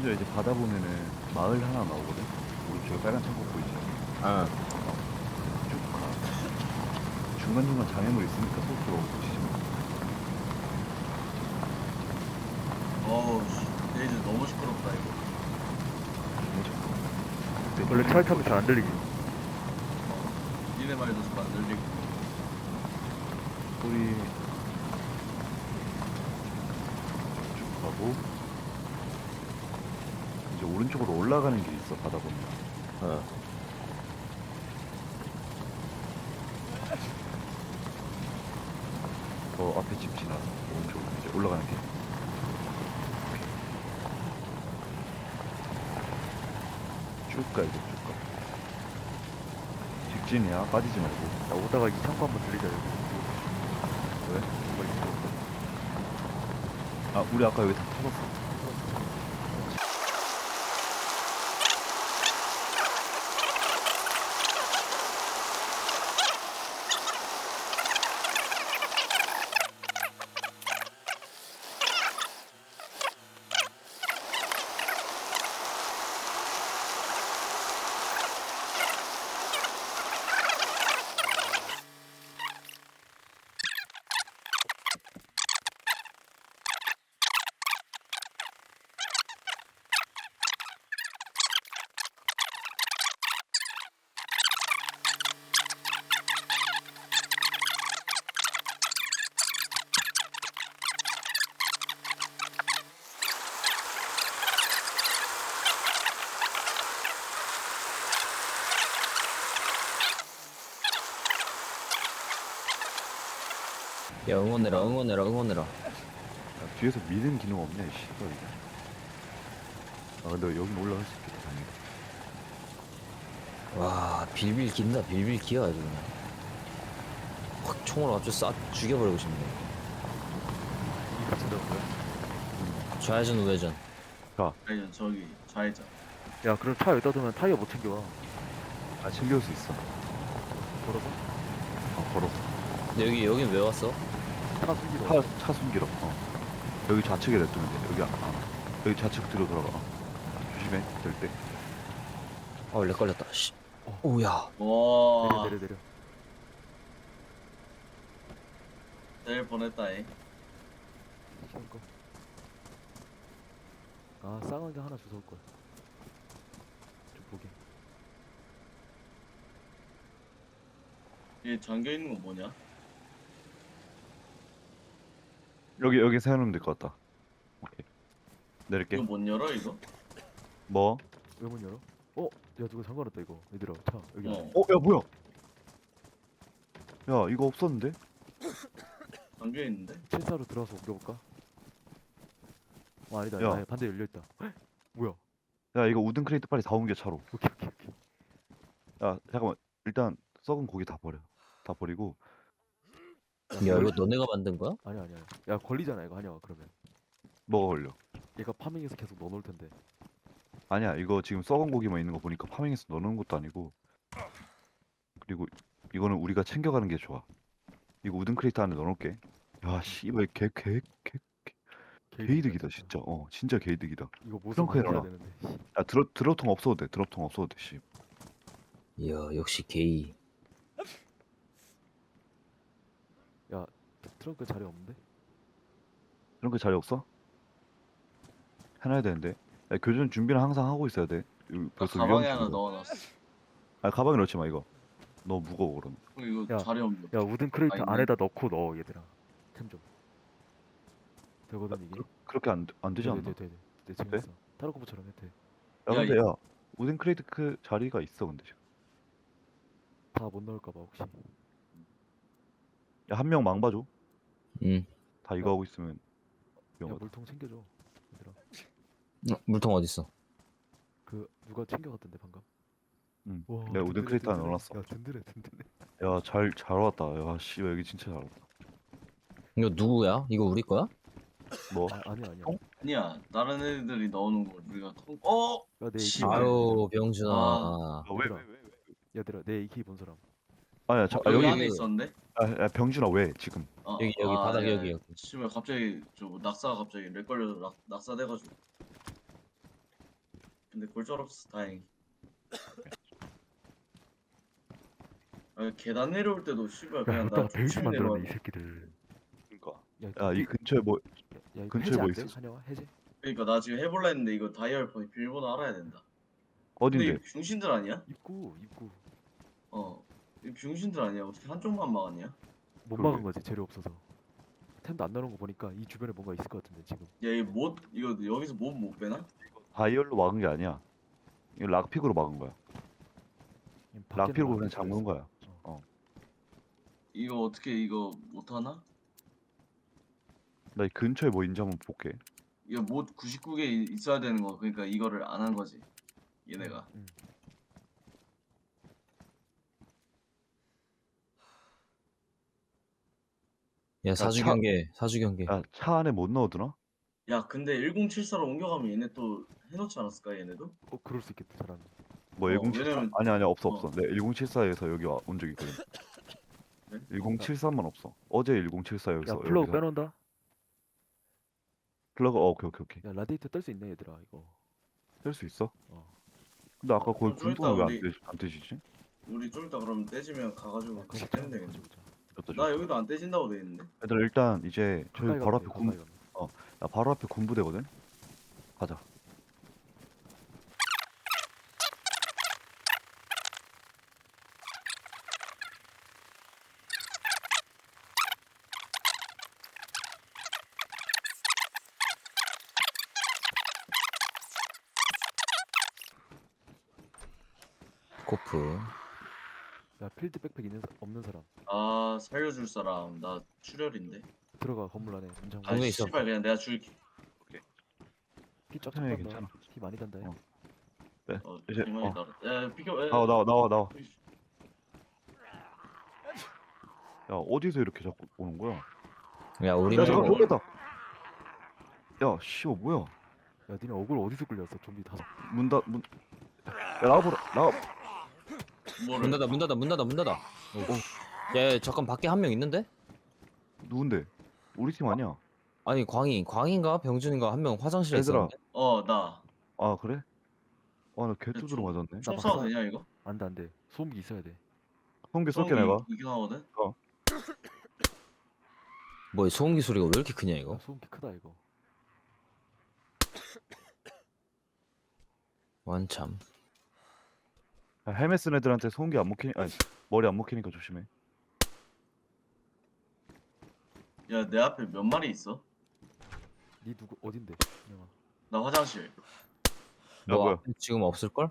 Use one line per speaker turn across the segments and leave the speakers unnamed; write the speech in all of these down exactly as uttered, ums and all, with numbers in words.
심지어 이제 바다 보면은 마을 하나 나오거든. 오른쪽에 빨간 창고 보이지?
아,
쭉 가. 중간중간 장애물 있으니까 속 들어오고
어우 씨 레이즈 너무 시끄럽다 이거.
원래 차를 타면 잘 안 들리지.
니네 말도 잘 안 들리고.
소리 쭉 가고 이제 오른쪽으로 올라가는 길이 있어. 바다 보면.
어.
저 앞에 집 지나서 오른쪽으로 이제 올라가는 길. 쭉 가, 이제 쭉 가. 직진이야. 빠지지 말고.
나 오다가 이 창고 한번 들리자. 여기.
왜?
뭐가 있어?
아, 우리 아까 여기 다 터졌어.
야, 응원해라, 응원해라, 응원해라.
야, 뒤에서 미는 기능 없냐, 이 씨발 이게. 아, 근데 여긴 올라갈 수 있겠다, 당연히.
와, 빌빌 긴다, 빌빌 기어 아주 그냥. 확 총으로 아주 싹 죽여버리고 싶네.
이 같은 데고요.
좌회전, 우회전.
아니 저기 좌회전.
야, 그럼 차 여기다 두면 타이어 못 챙겨와.
아, 챙겨올 수 있어.
걸어서?
어, 걸어서.
근데 여기, 여긴 왜 왔어?
차 숨기러.
차, 차 숨기러. 어. 여기 좌측에 냅두면 돼. 여기, 아, 아. 여기 좌측 뒤로 돌아가. 어. 조심해, 될 때.
아, 원래 걸렸다, 씨.
어.
오야.
와
내려 내려 내려.
내일 보냈다잉.
시험 거. 아, 쌍하게 하나 주워올 거야. 좀 보게.
얘 잠겨 있는 거 뭐냐?
여기, 여기 세워놓으면 될 것 같다. 오케이. 내릴게.
이거 못 열어 이거?
뭐?
왜 문 열어? 어? 야, 누가 잠궈놨다 이거. 얘들아, 차 여기.
어.
안에.
어, 야, 뭐야? 야, 이거 없었는데?
잠겨 있는데?
칠사로 들어와서 옮겨볼까? 어, 아니다.
야.
아니다. 반대 열려 있다. 뭐야?
야, 이거 우든 크레이트 빨리 다 옮겨, 차로.
오케이 오케이 오케이.
야, 잠깐만. 일단, 썩은 고기 다 버려. 다 버리고.
야, 이거 너네가 만든 거야?
아니 아니 아니. 야, 걸리잖아 이거 한영아. 그러면
뭐가 걸려?
얘가 파밍해서 계속 넣어놓을 텐데.
아니야, 이거 지금 썩은 고기만 있는 거 보니까 파밍해서 넣어놓은 것도 아니고. 그리고 이거는 우리가 챙겨가는 게 좋아. 이거 우든 크레이트 안에 넣어놓을게. 야, 씨발, 개, 개, 개, 개이득이다, 진짜. 어, 진짜 개이득이다.
이거 모습
트렁크에
만들어야
넣어놔.
되는데.
야, 드러, 드러통 없어도 돼. 드러통 없어도 돼, 씨.
이야, 역시 게이.
야, 트렁크 자리 없는데?
이런 거 자리 없어? 해놔야 되는데. 야, 교전 준비는 항상 하고 있어야 돼. 이거
나
벌써
가방에
위험
하나
신고.
넣어놨어.
아, 가방에 넣지 마, 이거. 너무 무거워, 그러면.
형 이거
야,
자리 없는.
야, 우든 크레이트
아, 있네.
안에다 넣고 넣어 얘들아. 템 좀. 되거든 이게.
그, 그렇게 안, 안 되지 않나?
돼, 돼, 돼, 돼. 돼, 재밌어. 타로코프처럼 해 돼.
야,
야,
근데
이-
야, 우든 크레이트 그 자리가 있어, 근데 지금.
다 못 넣을까봐 혹시.
야, 한 명 망봐줘.
응.
다 이거 하고 있으면
야,
위험하다.
물통 챙겨줘. 얘들아.
어, 물통 어딨어?
그 누가 챙겨갔던데 방금.
응.
와,
내가 우든
든든해,
크레이트 안에
든든해.
넣어놨어.
야, 든든해, 든든해.
야, 잘, 잘 왔다. 야, 씨, 여기 진짜 잘 왔다.
이거 누구야? 이거 우리 거야?
뭐?
아, 아니야, 아니야.
어?
아니야 다른 애들이 넣어놓은 걸 우리가 통. 어?
야, 내
씨.
에이케이.
아유, 병준아.
아.
아, 왜,
얘들아.
왜, 왜, 왜?
얘들아, 내 에이케이 본 사람.
아니야, 자,
어,
아,
여기,
여기,
안에 있었는데?
아, 야, 병준아, 왜, 지금?
어,
여기, 여기, 바닥
야,
여기,
야.
여기.
씨발 갑자기 저 낙사 갑자기 렉 걸려서 낙, 낙사돼가지고. 근데 골절없어 다행히. 아 계단 내려올 때도 씨발
야
그냥
여기다가
나
베이스
조심히
만들었네 이
내려와.
새끼들.
그러니까.
야,
야, 이
이-
근처에 뭐
야 이거
근처에
해제
뭐
안 돼?
있었어?
한영아 해제?
그러니까 나 지금 해볼라 했는데 이거 다이얼 폰이 비밀번호 알아야 된다. 근데
어딘데?
이 병신들 아니야?
입구 입구
어. 이 병신들 아니야? 어떻게 한쪽만 막았냐?
못
그러게.
막은 거지 재료 없어서. 템도 안 나오는 거 보니까 이 주변에 뭔가 있을 것 같은데 지금.
야, 이못 이거 여기서 못 못 빼나?
다이얼로 막은 게 아니야. 이거 락픽으로 막은 거야.
그냥 밖에는
락픽으로
안
그냥
돼,
잠그는
그래서.
거야.
이거 어떻게 이거 못 하나?
나 이 근처에 뭐 있는지 한번 볼게.
이거 못 구십구 개 있어야 되는 거. 그러니까 이거를 안 한 거지. 얘네가.
응.
야 사주
차-
경계 사주 경계.
야, 차 안에 못 넣어두나?
야, 근데 천칠사로 옮겨가면 얘네 또 해놓지 않았을까 얘네도?
어 그럴 수 있겠다 사람이.
뭐
어,
천칠십사?
왜냐면-
아니 아니 없어
어.
없어. 내 천칠십사에서 여기 와, 온 적 있거든.
네?
천칠십삼만 없어. 어제 천칠십사 여기서
야 플러그
여기서.
빼놓는다.
플러그 어, 오케이 오케이 오케이.
야 라디에이터 뗄 수 있네 얘들아 이거.
뗄 수 있어?
어.
근데 아까
어,
거기
좀
군통은
이따
왜안
우리-
안 떼지지?
우리 좀 이따 그럼 떼지면 가가지고
야,
같이
그거
떼면 되겠네.
가져오자.
줬다,
나
줬다.
여기도 안 떼진다고 돼 있는데.
얘들아 일단 이제 저기
가까이
바로
가면
앞에
돼,
군,
가까이 가면.
야, 바로 앞에 군부대거든. 가자.
코프.
야 필드 백팩 있는 사, 없는 사람
아 살려줄 사람 나 출혈인데.
들어가 건물 안에 문 잠그고.
아
방에 있어.
씨발 그냥 내가 줄게.
피 쫙쫙
괜찮아,
간다.
괜찮아.
피 많이 단다.
어. 네.
어
이제
이만이
어.
따라. 야 비켜. 야,
나와 나와 나와 나와.
이씨.
야 어디서 이렇게 자꾸 오는 거야?
야 우리
야 잠깐
말고
쫄렸다. 야 씨발 뭐야?
야 니네 얼굴 어디서 끌렸어? 좀비 다섯.
문 닫 문. 야 나와보라 나와.
뭐를?
문 닫아 문 닫아 문 닫아 문 닫아. 야, 야 잠깐 밖에 한 명 있는데?
누군데? 우리 팀 아니야?
아니 광희 광희인가 병준인가 한 명 화장실에
얘들아.
있었는데?
어 나.
아 그래? 아나 개뚜드러
좀-
맞았네.
총
나
쏴도
박사-
되냐 이거?
안돼 안돼. 소음기 있어야 돼.
성기 쏠게 내가.
이긴 하거든.
뭐야 소음기 소리가 왜 이렇게 크냐
야,
이거?
소음기 크다 이거.
완참.
야, 헬멧 쓴 애들한테 소음기 안 먹히니 아니 머리 안 먹히니까 조심해.
야 내 앞에 몇 마리 있어?
니 누구 어딘데? 영아.
나 화장실.
야
너
뭐야?
앞에 지금 없을걸?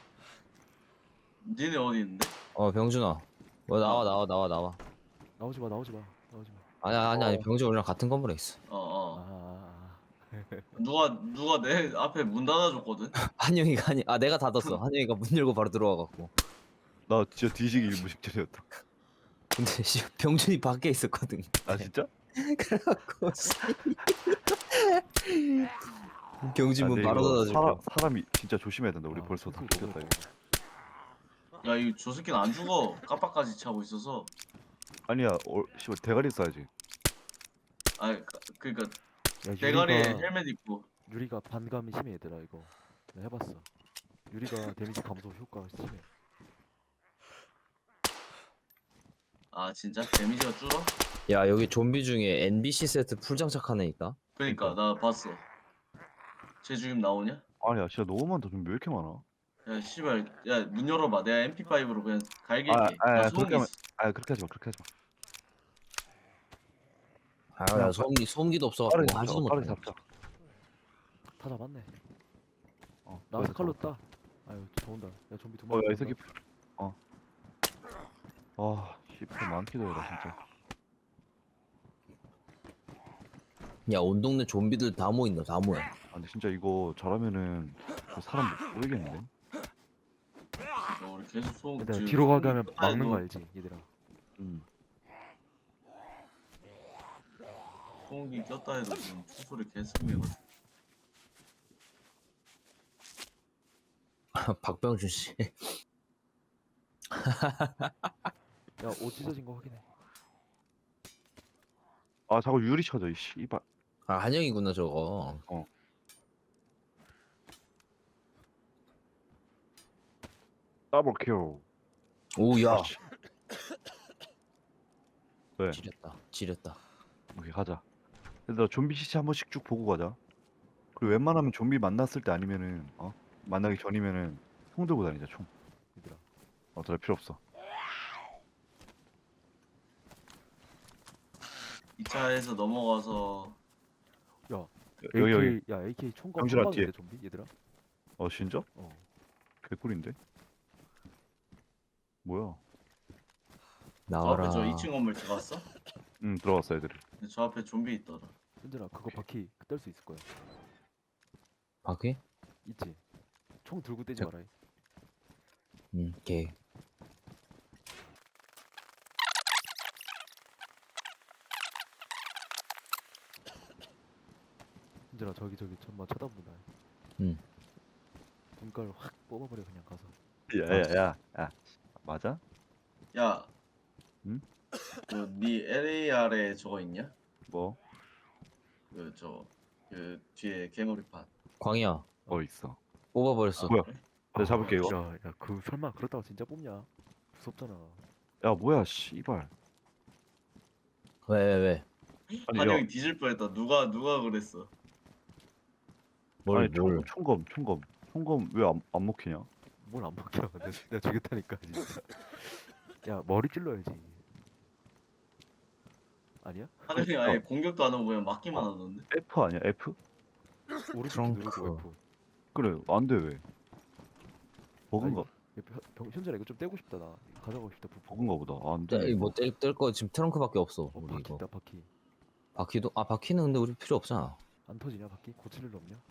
니네 어디 있는데?
어 병준아. 뭐 나와 나와 나와 나와.
나오지 마 나오지 마 나오지 마.
아니 아니 아니
어.
병준 우리랑 같은 건물에 있어.
어 어.
아, 아, 아.
누가 누가 내 앞에 문 닫아줬거든.
한영이가 아니 아 내가 닫았어. 한영이가 문 열고 바로 들어와 갖고.
나 진짜 뒤지기 무식절이었다.
근데 씨 병준이 밖에 있었거든.
아 진짜?
그래갖고 씨. 병준
아,
문
근데
바로
이거
닫아줄게.
사람, 사람이 진짜 조심해야 된다. 우리
아,
벌써 다
소음기
죽였다
너무
이거.
야 이 저 새끼는 안 죽어. 깜빡까지 차고 있어서.
아니야, 어, 씨발 대가리 써야지.
아 그- 그러니까
야,
대가리에
유리가
헬멧 입고.
유리가 반감이 심해 얘들아 이거. 내가 해봤어. 유리가 데미지 감소 효과가 심해.
아 진짜 데미지가 줄어?
야 여기 좀비 중에 엔비씨 세트 풀 장착한 애 있다.
그러니까 나 봤어. 쟤 지금 나오냐?
아니야, 진짜 너무 많다. 좀 왜 이렇게 많아?
야 씨발 야 문 열어봐. 내가 엠피파이브로 그냥 갈길게.
아, 아,
나
아,
소음기
그렇게 하면-
있어.
아, 그렇게 하지 마, 그렇게 하지 마.
아야 소음기 소음기도 없어갖고
빠르게
하지도
잡자, 빠르게
못해.
잡자.
다 잡았네.
어,
나와서
빠르게
칼로
잡아.
따. 아유 좋은다. 야 좀비 두
어,
마리.
야, 이
들어온다.
새끼. 어. 아, 씨발 많기도 해라 진짜.
야 온 동네 좀비들 다 모인다 다 모여.
아, 근데 진짜 이거 잘하면은 그 사람 못 모이겠는데?
야, 우리 계속 소음.
얘들아
지금
뒤로 가게
소음기
하면
끄다
막는
해도
거 알지 얘들아.
음.
소음기 꼈다 해도 지금 총소리 개승해가지고.
박병준 씨.
야옷 찢어진 거 확인해.
아, 자꾸 유리 쳐져 이 씨발.
아 한영이구나 저거.
어. 더블 킬.
오야.
아, 씨. 왜?
지렸다. 지렸다.
오케이 가자. 얘들아 좀비 시체 한 번씩 쭉 보고 가자. 그리고 웬만하면 좀비 만났을 때 아니면은 어 만나기 전이면은 총 들고 다니자 총.
얘들아.
어 더 필요 없어.
이 차에서 넘어가서
여- 여기 여기.
에이케이 야 에이케이 총검
병실아,
한 방인데
뒤에.
좀비 얘들아.
어 진짜?
어.
개꿀인데? 뭐야?
저
나와라.
앞에 저 이 층 건물 들어갔어?
응 들어갔어 애들이.
근데 저 앞에 좀비 있더라.
현진아 그거 바퀴 뗄 수 있을 거야.
바퀴?
있지. 총 들고 떼지
자-
마라.
응. 개.
현진아 저기 저기 천마 쳐다본다.
응.
눈깔 확 뽑아버려 그냥 가서.
야야야 야. 맞아?
야.
응?
그네 엘에이알에 저거 있냐?
뭐?
그 저 그 뒤에 개머리판.
광희야.
어 있어.
뽑아버렸어.
뭐야?
그래?
내가 잡을게 이거.
야, 야, 그 설마 그렇다고 진짜 뽑냐? 무섭잖아.
야 뭐야 씨발.
왜 왜 왜?
아니
한영이
야
뒤질 뻔했다. 누가 누가 그랬어?
뭘
아니
뭘?
총, 총검 총검 총검 왜 안 안 먹히냐?
뭘 안 먹혀? 내가, 내가 죽였다니까 진짜. 야 머리 찔러야지. 아니야?
한영이 아예 공격도 안 하고 그냥 맞기만 하던데.
F 아니야 F?
오른쪽
트렁크.
누르고 F.
그래 안 돼 왜? 버그인가?
야, 병- 병- 현진아 이거 좀 떼고 싶다 나. 가져가고 싶다 부품.
버그인가 보다. 아, 안 돼.
떼, 뭐뗄거 지금 트렁크밖에 없어.
어
우리
바퀴
이거.
있다 바퀴.
바퀴도 아 바퀴는 근데 우리 필요 없잖아.
안 터지냐 바퀴? 고칠 일 없냐?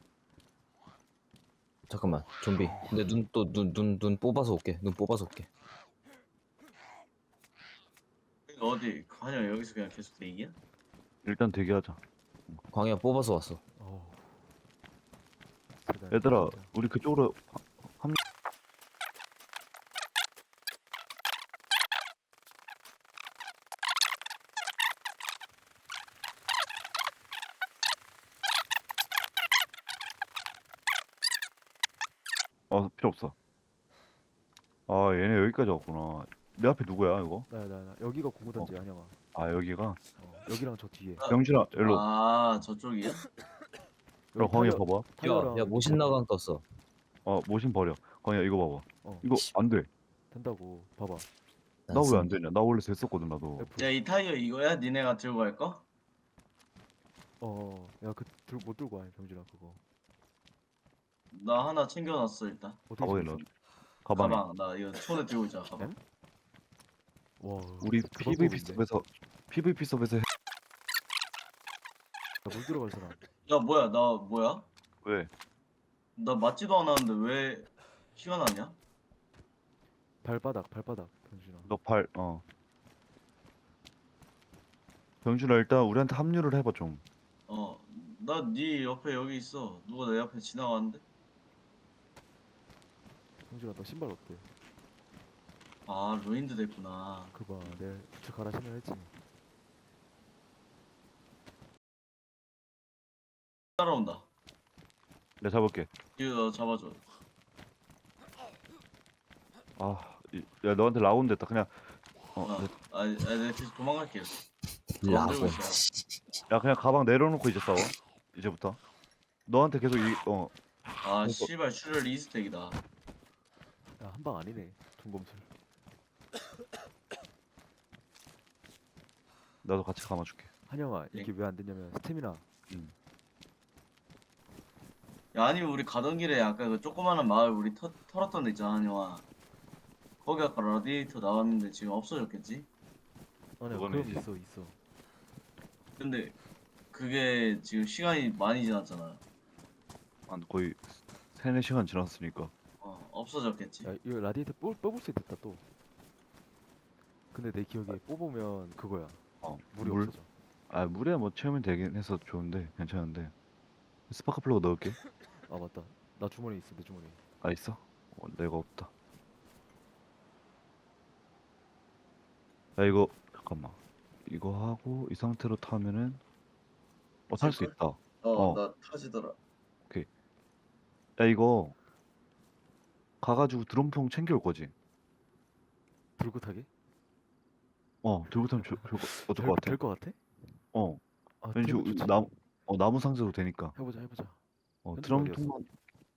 잠깐만 좀비. 근데 눈 또 눈 눈 눈 뽑아서 올게. 눈 뽑아서 올게.
그러니까 어디 한영 여기서 그냥 계속 대기야?
일단 대기하자.
광희야 뽑아서 왔어.
어. 대단해,
얘들아
진짜.
우리 그쪽으로 어 필요 없어. 아 얘네 여기까지 왔구나. 내 앞에 누구야 이거?
나야 나, 나 여기가 공구단지 한영아.
아 여기가?
어, 여기랑 저 뒤에.
병준아 일로.
아 저쪽이야?
그럼 광희 봐봐.
타이어랑
야야 모신 나강 떴어.
어 모신 버려. 광희야 이거 봐봐.
어
이거 안 돼.
된다고 봐봐.
나 왜 안 되냐? 나 원래 됐었거든 나도.
F.
야 이 타이어 이거야? 니네가 들고 갈 거?
어, 야, 그, 들, 못 들고 와, 병준아, 그거.
나 하나 챙겨놨어 일단.
어떻게
가방에
챙겼어?
넣어. 가방에.
가방 나 이거 손에 들고 있자 가방.
응? 와,
우리
그
피브이피
방법인데.
서버에서 피브이피 서버에서 해...
야, 물 들어갈 사람.
야 뭐야 나 뭐야?
왜?
나 맞지도 않았는데 왜 피가 나냐?
발바닥, 발바닥, 병준아.
너 발 어. 병준아 일단 우리한테 합류를 해봐 좀.
어, 나 네 옆에 여기 있어. 누가 내 옆에 지나가는데?
병준아, 너 신발 어때?
아, 루인드 됐구나.
그거 봐, 내 부츠 갈아 신어야지.
따라온다.
내가 잡을게.
이거 너 잡아줘.
아, 이- 야 너한테 라운 됐다. 그냥 어,
어,
내-
아, 아, 내가 계속 도망갈게.
라고.
들고 있어.
야 그냥 가방 내려놓고 이제 싸워. 이제부터. 너한테 계속 이 어.
아, 씨발 슈럴 이스택이다.
야, 한 방 아니네, 중검술.
나도 같이 감아줄게.
한영아,
네.
이게 왜 안 되냐면, 스태미나.
야, 아니 우리 가던 길에 아까 그 조그마한 마을 우리 터, 털었던 데 있잖아, 한영아. 거기 아까 라디에이터 나왔는데 지금 없어졌겠지?
아니야,
그거는
그럼
이제-
있어, 있어.
근데 그게 지금 시간이 많이 지났잖아.
한 거의 세네 시간 지났으니까.
어, 없어졌겠지?
야, 이거 라디에이터 뽑, 뽑을 수 있겠다, 또. 근데 내 기억에 뽑으면 그거야.
어.
물이
물?
없어져.
아 물에 뭐 채우면 되긴 해서 좋은데 괜찮은데. 스파크 플러그 넣을게.
아, 맞다. 나 주머니 있어, 내 주머니.
아 있어? 어, 내가 없다. 야 이거 잠깐만. 이거 하고 이 상태로 타면은 어 탈 수
탈걸?
있다.
어,
어.
나 타지더라.
야 이거 가가지고 드럼통 챙겨올 거지.
들고 타게?
어, 들고 타면 좋, 좋을 거, 어떨 것 같아?
될것 같아?
어,
아
왠지
되면
우-
좋지.
나무, 어, 나무 상자도 되니까.
해보자 해보자.
어,
현준 어디였어?
드럼통만.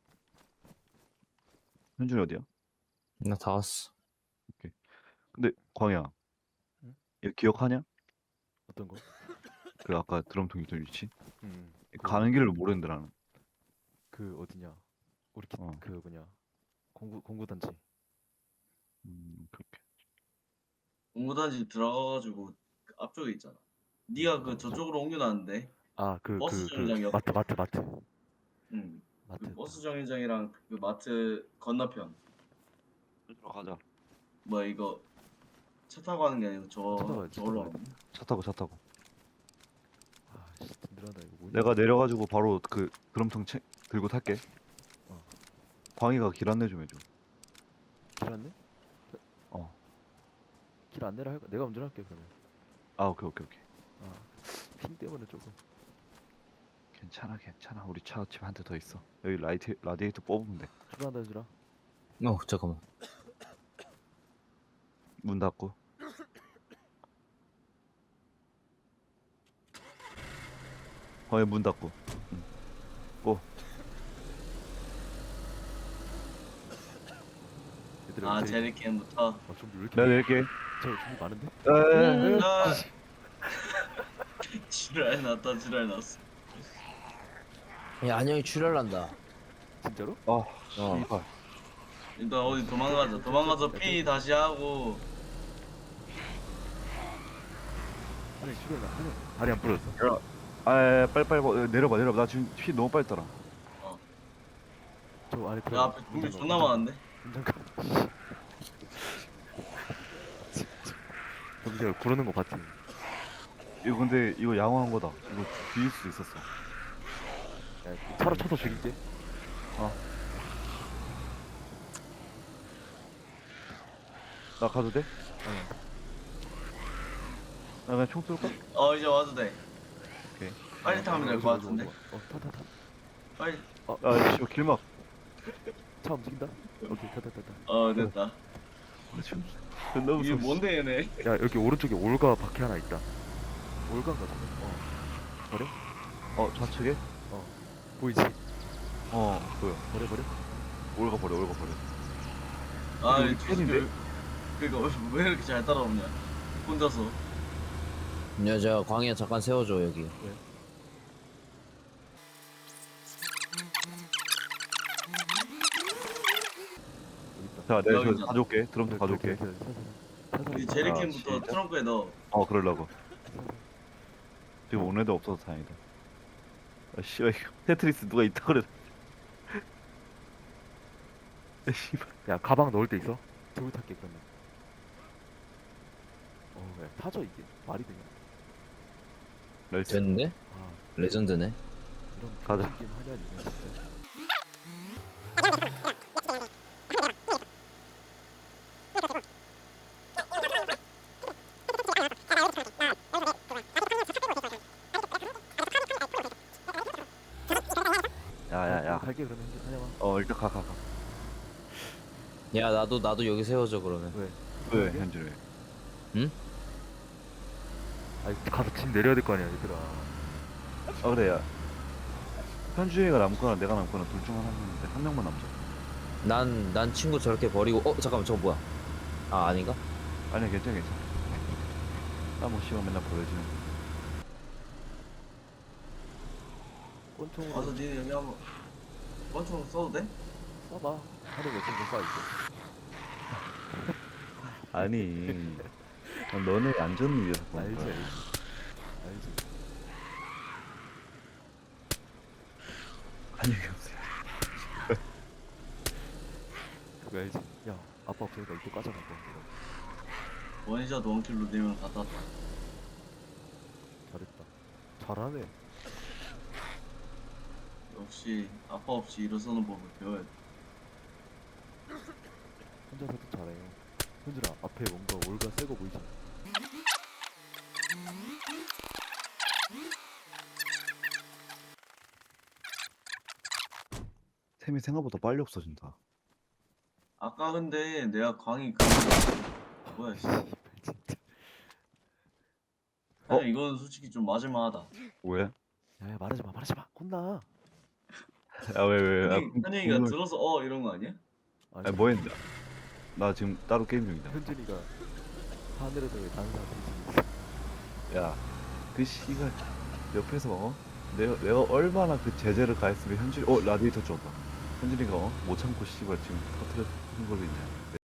현준이 어디야?
나 다 왔어.
오케이. 근데 광야,
응?
얘 기억하냐?
어떤 거?
그 아까 드럼통 있던 위치?
음. 그
가는 길을 모르는데 나는.
그 어디냐? 우리 기,
어,
그 뭐냐? 공구 공구 단지.
음, 그렇게.
공구단지 들어가가지고 그 앞쪽에 있잖아. 네가 그 저쪽으로 옮겨놨는데
아
그
그
버스
그 그
정류장
마트
옆에.
마트 마트
응. 그
마트.
버스 정류장이랑 그 마트 건너편.
현준아 가자.
뭐 이거 차 타고 가는 게 아니고 저
찾아가야 돼,
저걸로
찾아가야 돼.
가는.
차 타고 차 타고.
아씨 든든하다 이거 뭐냐?
내가 내려가지고 바로 그 드럼통 채, 들고 탈게.
어.
광희가 길 안내 좀 해줘.
길 안내?
어.
길 안내를 할까? 내가 운전할게 그러면.
아, 오케이, 오케이, 오케이.
아핑 때문에 조금.
괜찮아, 괜찮아. 우리 차 집 한 대 더 있어. 여기 라이트, 라디에이터 뽑으면 돼.
출발한다 해주라.
어 잠깐만.
문 닫고. 광희 문 닫고. 응. 고.
얘들아
아
여기 제일-
제리캔부터.
어 준비 왜 이렇게
내가 낼게.
저 준비 많은데?
에에에.
아, 지랄 났다 지랄 났어.
야 안녕히 출혈난다.
진짜로?
아, 씨발.
일단 어디 도망가자. 도망가서 피 다시 하고.
아니 출발 나 아니 다리 안 부러졌어.
아, 빨리빨리 뭐, 내려봐, 내려봐. 나 지금 피 너무 빨리 따라.
어.
저 안에
야
들어가.
앞에 준비
운전가,
존나
운전가.
많은데.
운전가. 경기가 구르는 거 봤지?
이거 근데 이거 양호한 거다. 이거 뒤일 수도 있었어.
야, 차로 쳐서 죽일게.
나 가도 돼?
어.
나 그냥 총 쏠까?
어 이제 와도 돼.
오케이.
빨리 타면 될 것 같은데.
어, 타, 타, 타.
빨리.
아, 씨, 길막.
차 움직인다? 오케이, 타, 타, 타, 타.
어 됐다.
아, 지금 존나
이게
무서워.
뭔데 얘네?
야, 여기 오른쪽에 올가 바퀴 하나 있다. 올가인가 저거? 어. 버려?
어, 좌측에?
보이지?
어, 보여.
버려, 버려?
올가 버려, 올가 버려.
아
여기
이
팬인데?
그니까 왜 이렇게 잘 따라오냐? 혼자서.
야저 광희야 잠깐 세워줘 여기.
여기 있다.
자, 내가
여기
저 가져올게. 드럼통 가져올게.
기다려, 기다려, 기다려.
이
차, 차, 차.
제리캔부터
아, 진짜?
트렁크에 넣어.
어, 그러려고. 지금 온 애도 없어서 다행이다. 아, 씨발, 이거 테트리스 누가 있다 그래. 아, 씨발.
야, 가방 넣을 데 있어? 들고 탈게, 그러면. 어, 야, 타져, 이게. 말이 되냐?
멸치.
됐는데?
아,
레전드네.
이런
가자.
병신 게임 하냐, 니네 진짜.
야, 야, 야.
갈게, 그러면. 이제 하냐마.
어, 일단 가, 가, 가.
야 나도 나도 여기 세워줘 그러면.
왜?
왜, 현준이?
아니, 가서 짐 내려야 될 거 아니야, 얘들아.
아, 그래, 야. 현준이가 남거나 내가 남거나 둘 중 하나인데 한 명만 남자.
난 난 친구 저렇게 버리고 어 잠깐만 저거 뭐야? 아 아닌가?
아니야, 괜찮아, 괜찮아. 나뭐 씨발 맨날 보여주는.
권총으로
와서 니네 여기 한번. 권총 써도 돼?
쏴봐. 하늘 몇층 쏴, 이제.
아니, 난 너네 안전을 위해서 그런
알지,
거야.
알지. 알지.
안녕히 계세요.
그거 알지? 야, 아빠 없으니까 이거 까잖아, 너.
원샷 원킬로 네 명 다 땄다.
잘했다. 잘하네.
역시 아빠 없이 일어서는 법을 배워야 돼.
혼자서도 잘해요. 현준아, 앞에 뭔가 올가 새거 보이지?
템이 생각보다 빨리 없어진다.
아까 근데 내가 광희 그 뭐야 씨.
씨발 진짜.
형
어?
이건 솔직히 좀 맞을만하다.
왜?
야, 야 말하지 마, 말하지 마. 혼나.
아 왜 왜? 아,
현이
궁-
현이가
궁금해.
들어서 어 이런 거 아니야?
아니 뭐 했는데? 나 지금 따로 게임 중이다.
현준이가 하늘에서 왜 다른 사람 뒤지고
야, 그 씨가 옆에서 어? 내가 내가 얼마나 그 제재를 가했으면 현준이 어 라디에이터 줘봐. 현준이가 어? 못 참고 씨발 지금 터트려 걸고 있냐.